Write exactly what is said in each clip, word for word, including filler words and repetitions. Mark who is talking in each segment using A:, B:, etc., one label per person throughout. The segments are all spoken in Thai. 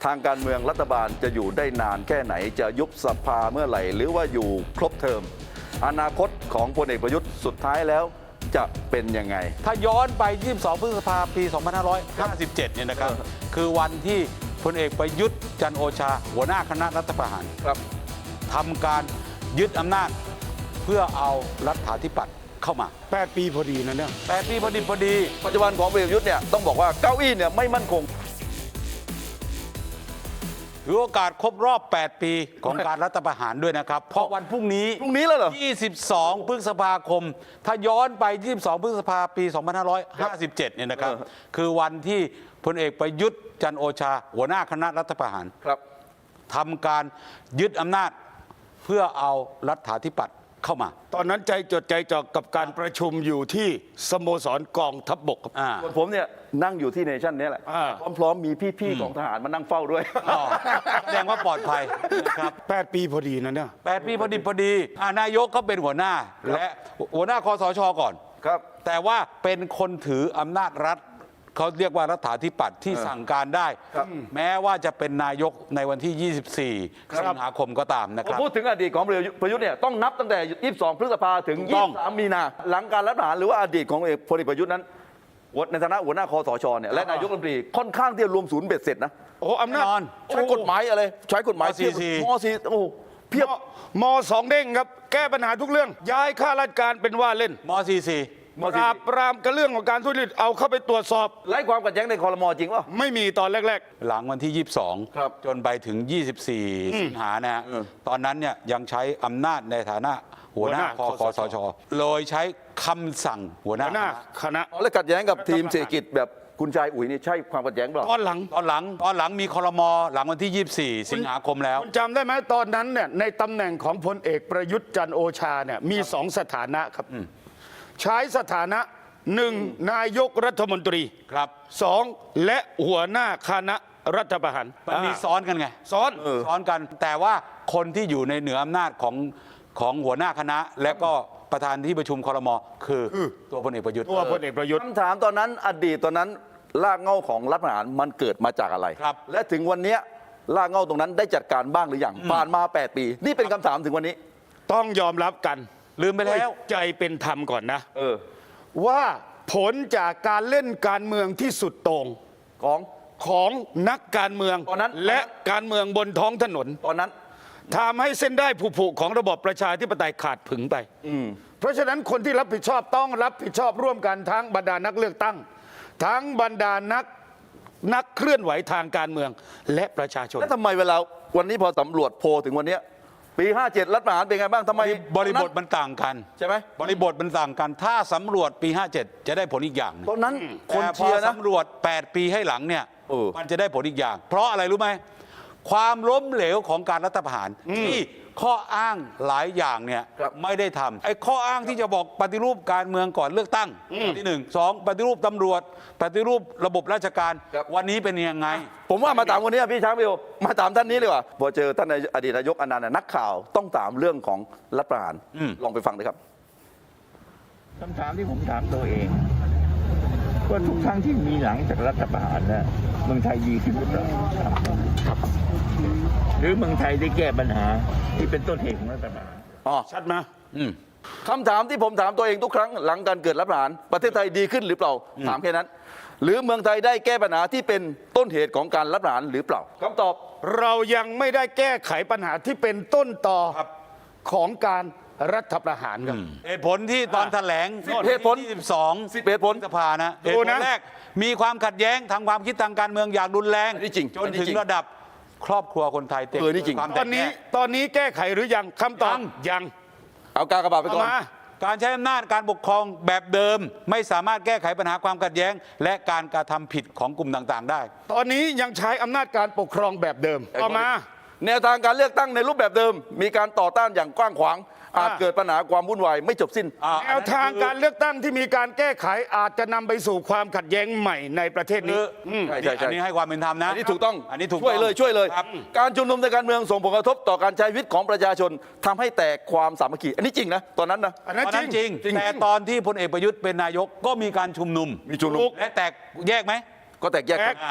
A: ทางการเมืองรัฐบาลจะอยู่ได้นานแค่ไหนจะยุบสภาเมื่อไหร่หรือว่าอยู่ครบเทอมอนาคตของพลเอกประยุทธ์สุดท้ายแล้วจะเป็นยังไง
B: ถ้าย้อนไปยี่สิบสองพฤษภาคมปีสองพันห้าร้อยห้าสิบเจ็ดเนี่ยนะครับคือวันที่พลเอกประยุทธ์จันทร์โอชาหัวหน้าคณะรัฐประหาร
A: ครับ
B: ทำการยึดอำนาจเพื่อเอารัฐาธิปัตย์เข้ามา
C: แปดปีพอดีนะเนี่ย
B: แปดปีพอดีพอดี
A: ปัจจุบันของพลเอกประยุทธ์เนี่ยต้องบอกว่าเก้าอี้เนี่ยไม่มั่นคง
B: ถือโอกาสครบรอบแปดปีของการรัฐประหารด้วยนะครับเพราะวันพรุ่งนี้
A: พรุ่งนี้แล้วเหรอ
B: ยี่สิบสองพฤษภาคมถ้าย้อนไปยี่สิบสองพฤษภาคมปีสองพันห้าร้อยห้าสิบเจ็ดเนี่ยนะครับคือวันที่พลเอกประยุทธ์จันทร์โอชาหัวหน้าคณะรัฐประหาร
A: ครับ
B: ทำการยึดอำนาจเพื่อเอารัฐาธิปัตย์เข้ามา
C: ตอนนั้นใจจดใจจ่อกับการประชุมอยู่ที่สโมสรกองทัพบก
A: ส่วนผมเนี่ยนั่งอยู่ที่เนชั่นนี้แหละพร้อมๆมีพี่ๆของทหารมานั่งเฝ้าด้วย
B: แสดงว่าปลอดภัยนะครับ
C: แปดปีพอดีนะเนี่ย
B: แปดปีพอดีพอดีนายกก็เป็นหัวหน้าและหัวหน้าคสชก่อน
A: ครับ
B: แต่ว่าเป็นคนถืออำนาจรัฐเขาเรียกว่ารัฐาธิปัตย์ที่สั่งการได้แม้ว่าจะเป็นนายกในวันที่ยี่สิบสี่สิงหาคมก็ตามนะครับ
A: พูดถึงอดีตของพลเอกประยุทธ์เนี่ยต้องนับตั้งแต่ยี่สิบสองพฤษภาถึงยี่สิบสามมีนาหลังการรัฐประหารหรือว่าอดีตของพลเอกประยุทธ์นั้นในฐานะหัวหน้าคสชเนี่ยและนายกรัฐมนตรีค่อนข้างที่จะรวมศูนย์เบ็ดเสร็จนะ
C: โอ้อำนาจ
A: ใช้กฎหมายอะไรใช้กฎหมาย
B: ม.สี่สิบ
A: ม.สี่โอ้เพียบ
C: ม.สองเด้งครับแก้ปัญหาทุกเรื่องย้ายข้าราชการเป็นว่าเล่น
B: ม.สี่สิบ
C: ปราบปรามกับเรื่องของการทุจริตเอาเข้าไปตรวจสอบ
A: ไร้ความขัดแย้งในครม.จริงป่ะ
C: ไม่มีตอนแรก
B: ๆหลังวันที่ยี่สิบสองจนไปถึงยี่สิบสี่สิงหานะฮะตอนนั้นเนี่ยยังใช้อำนาจในฐานะหัวหน้าคคสชโดยใช้คำสั่งหัวหน้า
C: คณะ
A: และขัดแย้งกับทีมเศรษฐกิจแบบคุณชายอุ๋ยนี่ใช่ความขัดแย้งเปล่า
C: ตอนหลัง
B: ตอนหลังตอนหลังมีครมหลังวันที่ยี่สิบสี่สิงหาคมแล้ว
C: คุณจำได้ไหมตอนนั้นเนี่ยในตำแหน่งของพลเอกประยุทธ์จันทร์โอชาเนี่ยมีสองสถานะครับใช้สถานะหนึ่งนายกรัฐมนตรี
B: ครับ
C: สองและหัวหน้าคณะรัฐประหาร
B: มันมีซ้อนกันไง
C: ซ้อน
B: ซ้อนกันแต่ว่าคนที่อยู่ในเหนืออำนาจของของหัวหน้าคณะและก็ประธานที่ประชุมครมคือตัวพลเอกประยุทธ์
C: ตัวพลเอกประยุทธ์
A: คำถามตอนนั้นอดีตตอนนั้นรากเหง้าของรัฐประหารมันเกิดมาจากอะไร
B: ครับ
A: และถึงวันนี้รากเหง้าตรงนั้นได้จัดการบ้างหรือยังผ่านมาแปดปีนี่เป็นคำถามถึงวันนี้
C: ต้องยอมรับกัน
B: ลืมไปแล้ว
C: ใจเป็นธรรมก่อนนะ
A: เออ
C: ว่าผลจากการเล่นการเมืองที่สุดโต่ง
A: ของ
C: ของนักการเมือง
A: ตอนนั้น
C: และการเมืองบนท้องถนน
A: ตอนนั้น
C: ทำให้เส้นได้ผุๆของระบบประชาธิปไตยขาดผึงไปเพราะฉะนั้นคนที่รับผิดชอบต้องรับผิดชอบร่วมกันทั้งบรรดานักเลือกตั้งทั้งบรรดานักนักเคลื่อนไหวทางการเมืองและประชาชน
A: แล้วทำไมเวลาวันนี้พอสำรวจโพลถึงวันนี้ปีห้าเจ็ดรัฐประหารเป็นไงบ้างทำไม
B: บริบทมันต่างกัน
A: ใช่ไหม
B: บริบทมันต่างกันถ้าสำรวจปีห้าเจ็ดจะได้ผลอีกอย่าง
A: ตอนนั้นคน
B: เชียร์นะสำรวจแปดปีให้หลังเนี่ยมันจะได้ผลอีกอย่าง เพราะอะไรรู้ไหมความล้มเหลวของการรัฐประหารที่ข้ออ้างหลายอย่างเนี่ยไม่ได้ทำไอ้ข้ออ้างที่จะบอกปฏิรูปการเมืองก่อนเลือกตั้งที่หนึ่งสองปฏิรูปตำรวจปฏิรูประบบราชการวันนี้เป็นยังไง
A: ผมว่ามาถามคนนี้พี่ช้างพี่โอมาถามท่านนี้เลยว่าพอเจอท่านอดีตนายกอนันต์นักข่าวต้องถามเรื่องของรัฐประหารลองไปฟังเลยครับ
D: คำถามที่ผมถามตัวเองว่าทุกครั้งที่มีหลังจากรัฐประหารนะเมืองไทยดีขึ้นหรือเปล่าหรือเมืองไทยได้แก้ปัญหาที่เป็นต้นเหตุของรัฐประหาร
A: อ๋อ
C: ชัดไหม
A: คำถามที่ผมถามตัวเองทุกครั้งหลังการเกิดรัฐประหารประเทศไทยดีขึ้นหรือเปล่าถามแค่นั้นหรือเมืองไทยได้แก้ปัญหาที่เป็นต้นเหตุของการรัฐประหารหรือเปล่าคำตอบ
C: เรายังไม่ได้แก้ไขปัญหาที่เป็นต้นตอของการรัฐประหารครับ
B: เหตุผลที่ตอนแถลง
A: เหตุผล
B: ที่สิบสอง
A: สิบเหตุผล
B: สภานะเหตุผลแรกมีความขัดแย้งทางความคิดทางการเมืองอย่างรุนแรงจนถึงระดับครอบครัวคนไทยเต็ม
C: ตอนนี้ตอนนี้แก้ไขหรือยังคำตอบยัง
A: เอากากระบาดไปก่อน
B: การใช้อำนาจการปกครองแบบเดิมไม่สามารถแก้ไขปัญหาความขัดแย้งและการกระทำผิดของกลุ่มต่างๆได้
C: ตอนนี้ยังใช้อำนาจการปกครองแบบเดิมต่อมา
A: แนวทางการเลือกตั้งในรูปแบบเดิมมีการต่อต้านอย่างกว้างขวางอาจเกิดปัญหาความวุ่นวายไม่จบสิ้น
C: แนวทางการเลือกตั้งที่มีการแก้ไขอาจจะนำไปสู่ความขัดแย้งใหม่ในประเทศนี้
A: ใช่ใช่
B: อันนี้ให้ความเป็นธรรมนะ
A: อันนี้ถูกต้อง
B: อันนี้ถูก
A: ช่วยเลยช่วยเลยการชุมนุมในการเมืองส่งผลกระทบต่อการใช้ชีวิตของประชาชนทำให้แตกความสามัคคีอันนี้จริงนะตอนนั้นนะ
B: อันนั้นจริงแต่ตอนที่พลเอกประยุทธ์เป็นนายกก็มีการชุมนุม
A: มีชุมนุม
B: และแตกแยกไหม
A: ก็แตกแยกกัน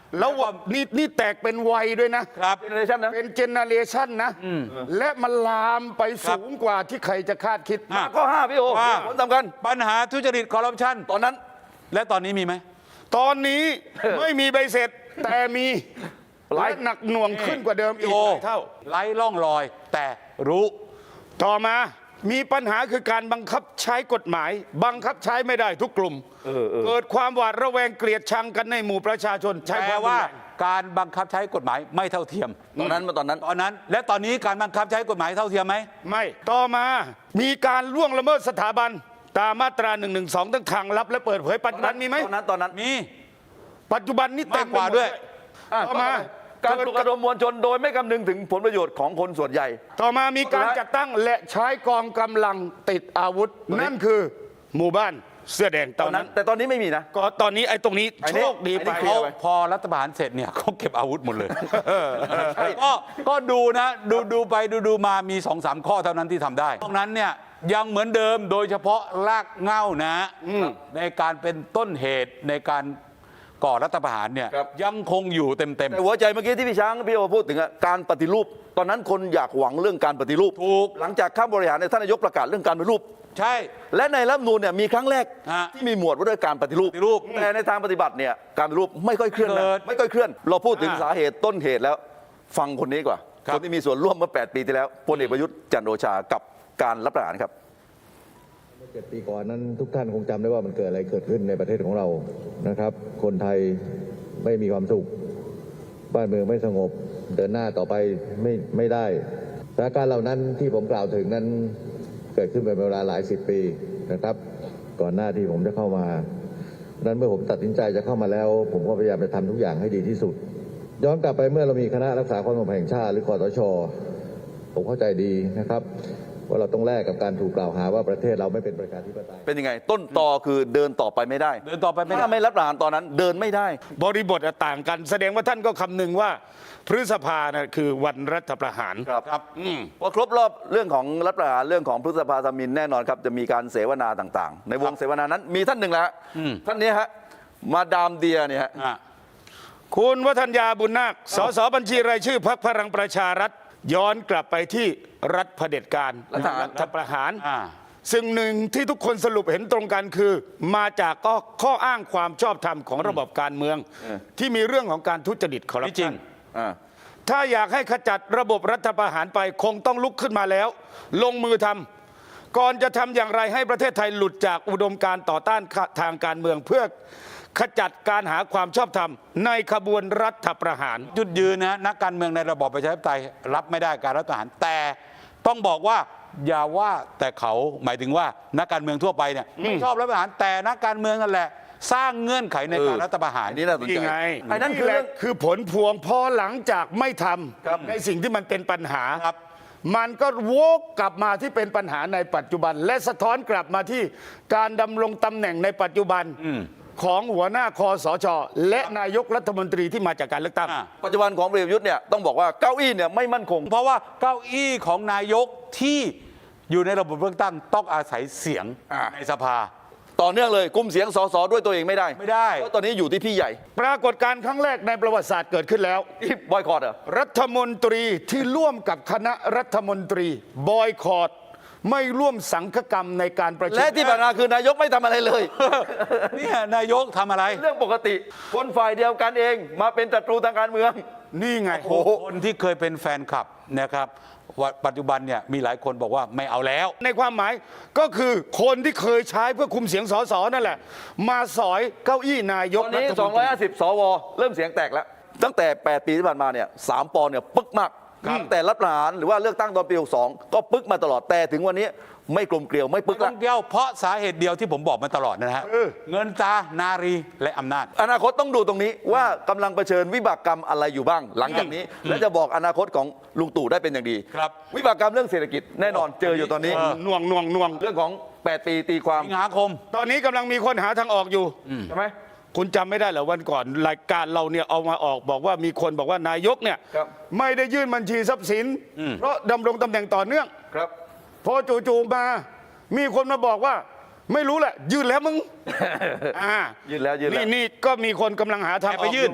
C: แล้วนี่นี่แตกเป็นวัยด้วยนะ
B: ครับ
A: เจเนอเรชันนะ
C: เป็นเจเนอเรชันนะ และมันลามไปสูงกว่าที่ใครจะคาดคิด
B: อ่ะ
A: ข้อห้าพี่โอ
B: ว่า
A: ผลสำคัญ
B: ปัญหาทุจริตคอร์รัปชัน
A: ตอนนั้น
B: และตอนนี้มีไหม
C: ตอนนี้ไม่มีใบเสร็จแต่มี
A: หลาย
C: และหนักหน่วงขึ้นกว่าเดิมอีก
B: โอ้
C: หลายเท่า
B: ไร้ร่องรอย แต่รู้
C: ต่อมามีปัญหาคือการบังคับใช้กฎหมาย บังคับใช้ไม่ได้ทุกกลุ่ม เกิดความหวาดระแวงเกลียดชังกันในหมู่ประชาชนใช้
B: แป
C: ค
B: ล
C: วามรุน
B: ว่า
C: แรง
B: การบังคับใช้กฎหมายไม่เท่าเทียม
A: ตอนนั้นมาตอนนั้น
B: ตอนนั้น และตอนนี้การบังคับใช้กฎหมายเท่าเทียมไหม
C: ไม่ต่อมามีการล่วงละเมิดสถาบัน ตามมาตราหนึ่งหนึ่งสองทั้งทางลับและเปิดเผยปัจจุบันมีไหม
A: ตอนนั้นตอนนั้น
B: มี
C: ปัจจุบันนี้เต็มไป
B: มากกว่า
C: หมด
B: ด้วย
A: อ่ะ
C: ต่อมา
A: การปลุกระดมมวลชนโดยไม่คำนึงถึงผลประโยชน์ของคนส่วนใหญ่
C: ต่อมามีการจัดตั้งและใช้กองกำลังติดอาวุธ นั่นคือหมู่บ้านเสื้อแดง
A: ต
C: ต
A: อ
C: อน น
A: นั้
C: นั้น น
A: แต่ตอนนี้ไม่มีนะ
C: ก็ตอนนี้ไอ้ตรงนี้
A: ไอ้
C: โช
A: นี่
C: คดี
A: ไอ้นี่
C: ไป
A: เคลีย
B: เขา
A: ร์ไป
B: พอรัฐประหารเสร็จเนี่ย เขาเก็บอาวุธหมดเลย
A: ใช่
B: ก็ก็ดูนะ ดูดูไปดูดูมามีสองสามข้อเท่านั้นที่ทำได้ตรงนั้นเนี่ยยังเหมือนเดิมโดยเฉพาะรากเหง้านะในการเป็นต้นเหตุในการก่อรัฐประหารเนี่ย
A: ครับ
B: ยังคงอยู่เต็มเต็ม
A: แต่หัวใจเมื่อกี้ที่พี่ช้างพี่โอพูดถึงอะการปฏิรูป ตอนนั้นคนอยากหวังเรื่องการปฏิรูป
B: ถูก
A: หลังจากข้ามบริหารเนี่ยท่านนายกประกาศเรื่องการปฏิรูป
B: ใช่
A: และในรัฐธรรมนูญเนี่ยมีครั้งแรก
B: ฮะ
A: ที่มีหมวดว่าด้วยการปฏิรูป
B: ปฏิรูป
A: แต่ในทางปฏิบัติเนี่ยการปฏิรูปไม่ค่อยเคลื่อน
B: เกิ
A: นะ
B: ด
A: ไม่ค่อยเคลื่อน เราพูดถึง
C: อ่า
A: สาเหตุต้นเหตุแล้วฟังคนนี้กว่า
B: ครับ
A: คนที่มีส่วนร่วมเมื่อแปดปีที่แล้วพลเอกประยุทธ์จันทร์โอชากับการรัฐประหารครับ
E: เจ็ดปีก่อนนั้นทุกท่านคงจำได้ว่ามันเกิดอะไรเกิดขึ้นในประเทศของเรานะครับ คนไทยไม่มีความสุข บ้านเมืองไม่สงบ เดินหน้าต่อไปไม่ไม่ได้สถานการณ์เหล่านั้นที่ผมกล่าวถึงนั้นเกิดขึ้นเป็นเวลาหลายสิบปีนะครับ ก่อนหน้าที่ผมจะเข้ามาดังนั้นเมื่อผมตัดสินใจจะเข้ามาแล้ว ผมก็พยายามจะทำทุกอย่างให้ดีที่สุด ย้อนกลับไปเมื่อเรามีคณะรักษาความสงบแห่งชาติหรือคสช ผมเข้าใจดีนะครับ ว่าเราต้องแลกกับการถูกกล่าวหาว่าประเทศเราไม่เป็นประชาธิปไตย
A: เป็นยังไง ต้นตอคือเดินต่อไปไม่ได้
B: เดินต่อไปไม่ได้
A: ถ้าไม่รัฐประหารตอนนั้นเดินไม่ได้
C: บริบทอะต่างกัน แสดงว่าท่านก็คำนึงว่าพฤษภานะคือวันรัฐประหาร
A: ครับ
B: ครับ
A: พอครบรอบเรื่องของรัฐประหารเรื่องของพฤษภาธมินแน่นอนครับจะมีการเสวนาต่างๆ ในวงเสวนานั้นมีท่านหนึ่งแล้วฮะ
B: อืม
A: ท่านนี้ฮะมาดามเดียเนี่ยฮะ
B: อ่ะ
C: คุณวัฒนยาบุญนาค สสบัญชีรายชื่อพรรคพลังประชารัฐ ย้อนกลับไปที่รัฐเผด็จการ
A: รัฐประหาร
C: รัฐประหาร
B: อ่า
C: ซึ่งหนึ่งที่ทุกคนสรุปเห็นตรงกันคือ มาจากก็ข้ออ้างความชอบธรรมของระบบการเมือง ที่มีเรื่องของการทุจริตคอร์รัป
B: ไม่จริ
C: ชั
B: ง
C: น
A: อ่า
C: ถ้าอยากให้ขจัดระบบรัฐประหารไปคงต้องลุกขึ้นมาแล้ว ลงมือทำก่อนจะทำอย่างไรให้ประเทศไทยหลุดจากอุดมการณ์ต่อต้านทางการเมือง เพื่อขจัดการหาความชอบธรรมในขบวนรัฐประหาร
B: จุดยืนนะนักการเมืองในระบอบประชาธิปไตยรับไม่ได้การรัฐประหารแต่ต้องบอกว่าอย่าว่าแต่เขาหมายถึงว่านักการเมืองทั่วไปเนี่ยไม่ชอบรัฐประหารแต่นักการเมืองนั่นแหละ สร้างเงื่อนไขในการ
A: เออ
B: รัฐประหาร
A: อันนี้น่าสนใจ
C: นี่ไง
A: ไอ้นั่นคือ
C: แห
A: เรื่
C: ละ
A: อง
C: คือผลพวงพอหลังจากไม่ท
A: ครับ
C: ำในสิ่งที่มันเป็นปัญหา
B: ครับ
C: มันก็วกกลับมาที่เป็นปัญหาในปัจจุบัน และสะท้อนกลับมาที่การดำรงตำแหน่งในปัจจุบันของหัวหน้าคอสช และนายกรัฐมนตรีที่มาจากการเลือกตั้ง
B: อ่ะ
A: ปัจจุบันของพลเอกประยุทธ์เนี่ยต้องบอกว่าเก้าอี้เนี่ยไม่มั่นคง
B: เพราะว่าเก้าอี้ของนายกที่อยู่ในระบบเลือกตั้งต้องอาศัยเสียง
A: อ่า
B: ในสภา
A: ต่อเนื่องเลยกุมเสียงสสด้วยตัวเองไม่ได้
B: ไม่ได้
A: เพราะตอนนี้อยู่ที่พี่ใหญ่
C: ปรากฏการณ์ครั้งแรกในประวัติศาสตร์เกิดขึ้นแล้ว
A: ที่บอยคอรเหรอ
C: รัฐมนตรีที่ร่วมกับคณะรัฐมนตรีบอยคอรดไม่ร่วมสังฆกรรมในการประชุม
A: และที่ผ่านมาคือนายกไม่ทำอะไรเลย
B: เนี่ยนายกทำอะไร
A: เรื่องปกติคนฝ่ายเดียวกันเองมาเป็นศัตรูทางการเมือง
C: นี่ไง
A: โอ้โห
B: คนที่เคยเป็นแฟนคลับนะครับว่าปัจจุบันเนี่ยมีหลายคนบอกว่าไม่เอาแล้ว
C: ในความหมายก็คือคนที่เคยใช้เพื่อคุมเสียงสสนั่นแหละ มาสอยเก้าอี้นาย
A: ต
C: ก
A: อนนี้
C: รัฐมนตรี
A: สองร้อยห้าสิบ สว เริ่มเสียงแตกแล้ว ตั้งแต่ แปด ปีที่ผ่านมาเนี่ยสามปอเนี่ยปึ๊กมากตั้งแต่รัฐประหารหรือว่าเลือกตั้งตอนปีหกสิบสองก็ปึ๊กมาตลอดแต่ถึงวันนี้ไม่กลมเกลียวไม่ปึ๊ก
B: ต้
A: ละ
B: องเดียวเพราะสาเหตุเดียวที่ผมบอกมาตลอดนะฮะ
C: เออ
B: เงินตรานารีและอำนาจ
A: อนาคตต้องดูตรงนี้ว่ากำลังเผชิญวิบากกรรมอะไรอยู่บ้าง หลังจากนี้ และจะบอกอนาคตของลุงตู่ได้เป็นอย่างดี
B: ครับ
A: วิบากกรรมเรื่องเศรษฐกิจแน่นอนเจออยู่ตอนนี้
B: เออ
C: น่วงน่วงน่วง
A: เรื่องของแปดปีตีความ
B: สิงหาคม
C: ตอนนี้กำลังมีคนหาทางออกอยู่
A: ใช่ไหม
C: คุณจำไม่ได้เหรอวันก่อนรายการเราเนี่ยเอามาออกบอกว่ามีคนบอกว่านายกเนี่ย
A: ครับ
C: ไม่ได้ยื่นบัญชีทรัพย์สิน เพราะดำรงตำแหน่งต่อเนื่อง
A: ครับ
C: พอจู่ๆมา มีคนมาบอกว่า ไม่รู้แหละ ยื่นแล้วมึง อ่า
A: ยื่นแล้วยื่นแล้ว
C: นี่นี่ก็มีคนกำลังหาทางอ
B: ไป
C: อก
B: ยื่น
C: อ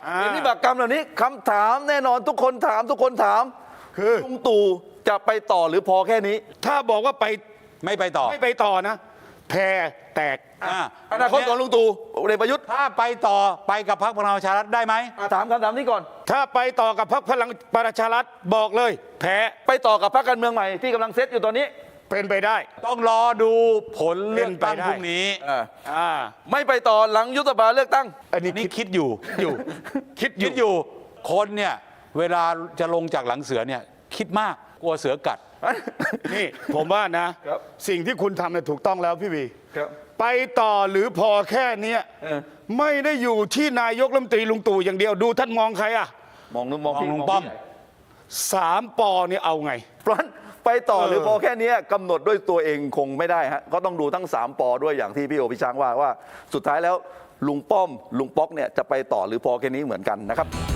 C: อ่า
A: เห็นวิบากกรรมเหล่านี้คำถามแน่นอนทุกคนถามทุกคนถาม
C: คือ
A: ลุงตู่จะไปต่อหรือพอแค่นี้
C: ถ้าบอกว่าไป
B: ไม่ไปต่อ
C: ไม่ไปต่อนะ แพรแตก
B: อ่า
A: อนาคตของลุงตู่พลเอกประยุทธ์
B: ถ้าไปต่อไปกับพรรคพลังประชารัฐได้ไหม
A: อ่ะถามคำถามนี้ก่อน
C: ถ้าไปต่อกับพรรคพลังประชารัฐบอกเลย แพ้
A: ไปต่อกับพรรคการเมืองใหม่ที่กำลังเซตอยู่ตอนนี้
C: เป็นไปได้
B: ต้องรอดูผลเลือกตั้ง
C: เป็นไปได้
B: พรุ่งนี้
A: อ่า
C: อ่า
A: ไม่ไปต่อหลังยุบสภาเลือกตั้ง
C: อันนี้
B: นี่
C: คิด
B: คิดอยู่
C: อยู่ คิดอ
B: คิ
C: ยู่
B: ดอยู่คนเนี่ยเวลาจะลงจากหลังเสือเนี่ยคิดมากกลัวเสือกัด
C: นี่ ผมว่านะ
A: ครับ
C: สิ่งที่คุณทำเนี่ยถูกต้องแล้วพี่วี
A: ครับ
C: ไปต่อหรือพอแค่เนี้ย
A: เออ
C: ไม่ได้อยู่ที่นายกรัฐมนตรีลุงตู่อย่างเดียวดูท่านมองใครอ่ะ
A: มองนึกมองพี่
B: มองลุง
A: พี่
B: ป้อม
A: ใหญ่
C: สามปอเนี่ยเอาไง
A: เพราะฉะนั้นไปต่อหรือ
C: เออ
A: พอแค่นี้กำหนดด้วยตัวเองคงไม่ได้ฮะก็ต้องดูทั้งสามปอด้วยอย่างที่พี่โอพี่ช้างว่าว่าสุดท้ายแล้วลุงป้อมลุงป๊อกเนี่ยจะไปต่อหรือพอแค่นี้เหมือนกันนะครับ